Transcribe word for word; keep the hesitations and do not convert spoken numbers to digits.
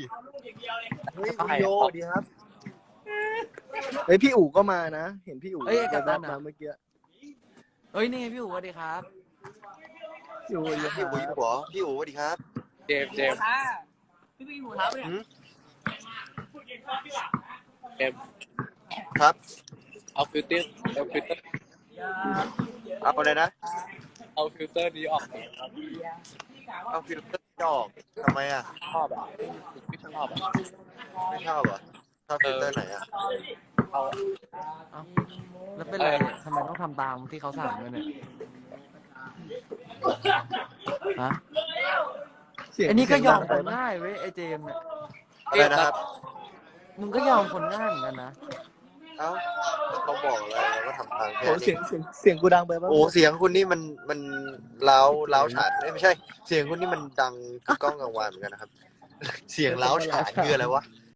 เฮ้ยคุณโยดีครับเฮ้ยพี่อู๋ก็มานะเห็นพี่อู๋แบบมาเมื่อกี้เฮ้ยนี่พี่อู๋สวัสดีครับพี่อู๋อยู่พี่อู๋อยู่เหรอพี่อู๋สวัสดีครับเจมเจมพี่พี่หูเท้าเนี่ยเจมครับเอาฟิลเตอร์เอาฟิลเตอร์เอาอะไรนะเอาฟิลเตอร์นี้ออกเอาฟิลเตอร์ออกทำไมอ่ะชอบอ่ะไม่ชอบอ่ะไม่ชอบเหรอชอบฟิลเตอร์ไหนอ่ะเอาแล้วเป็นไรเนี่ยทำไมต้องทำตามที่เขาสั่งด้วยเนี่ยฮะไอ้นี่ก็ยอมคนง่ายเว้ยไอ้เจมเนี่ยอะไรนะครับมึงก็ยอมคนง่ายเหมือนกันนะเอ้าเขาบอกอะไรเราก็ทำตามแค่โอ้เสียงเสียงเสียงกูดังไปป่ะโอ้เสียงคุณนี่มันมันเล้าเล้าฉานไม่ใช่เสียงคุณนี่มันดังคือกล้องกังวานเหมือนกันนะครับเสียงเล้าฉานคืออะไรวะ